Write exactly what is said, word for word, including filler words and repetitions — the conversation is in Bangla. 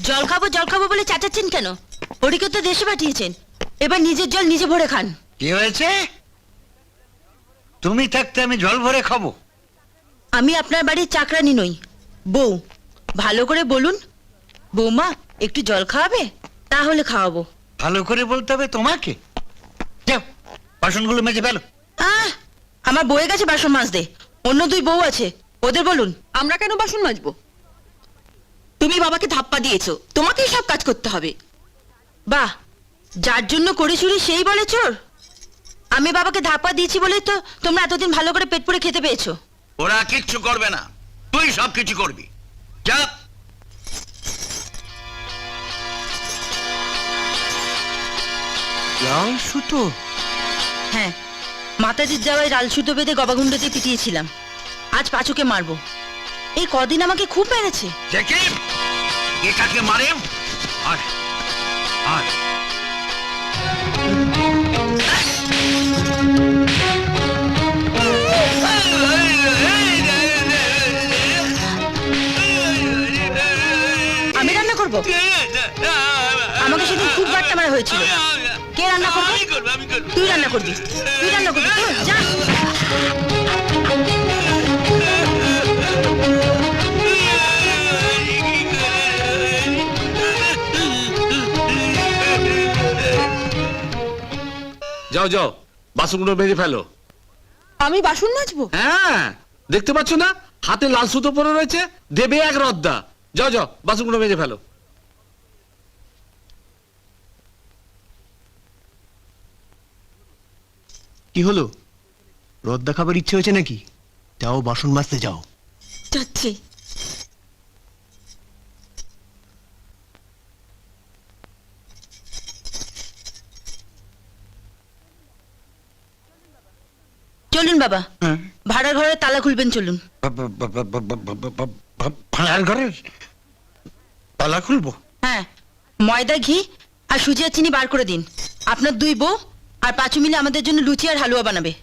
জল খাবো জল খাবো বলে চাচাচ্ছেন কেন? হরিকে তো দেশে পাঠিয়েছেন, এবার নিজের জল নিজে ভরে খান। কি হয়েছে? তুমি থাকতে আমি জল ভরে খাবো? আমি আপনার বাড়ির চাকরানি নই, বউ। ভালো করে বলুন, বৌমা একটু জল খাওয়াবে? তাহলে খাওয়াবো। ভালো করে বলতে হবে তোমাকে। যাও বাসনগুলো মেজে ফেলো। আহ, আমার বউয়ের কাছে বাসন মাজতে, অন্য দুই বউ আছে, ওদের বলুন। আমরা কেন বাসন মাজবো? তুমি বাবাকে ধাপ্পা দিয়েছো, তোমাকেই সব কাজ করতে হবে। বাহ, যার জন্য করে চুরি সেই বলে চোর। আমি বাবাকে ধাপ্পা দিয়েছি বলেই তো তোমরা এতদিন ভালো করে পেট পুড়ে খেতে পেয়েছো। ওরা কিচ্ছু করবে না, তুই সব কিছু করবি। যা। লাল সুতো? হ্যাঁ, মাতাজির যাওয়ায় লাল সুতো বেঁধে গবাগুন্ডতে পিটিয়েছিলাম। আজ পাঁচুকে মারবো। এই কদিন আমাকে খুব মেরেছে। দেখি এটাকে মারে। আর আর আমি রান্না করব? আমাকে সেদিন খুব বাট্টা মারা হয়েছিল। কে রান্না করবে? আমি করবো, আমি করবো। তুই রান্না করবি, তুই রান্না করবি, তুই যা। যাও যাও, বাসনগুলো মেজে ফেলো। আমি বাসন মাজবো? হ্যাঁ, দেখতে পাচ্ছ না হাতে লাল সুতো পরে রয়েছে, দেবে এক রদ্দা। যাও যাও, বাসনগুলো মেজে ফেলো। কি হলো, রদ্দা খাবার ইচ্ছে হয়েছে নাকি? যাও বাসন মাজতে যাও। যাচ্ছি। চলুন বাবা, ভাড়ার ঘরে তালা খুলবেন, চলুন। ভাড়ার ঘরের তালা খুলবো? হ্যাঁ, ময়দা, ঘি আর সুজি আর চিনি বার করে দিন। আপনার দুই বউ আর পাঁচু মিলে আমাদের জন্য লুচি আর হালুয়া বানাবে।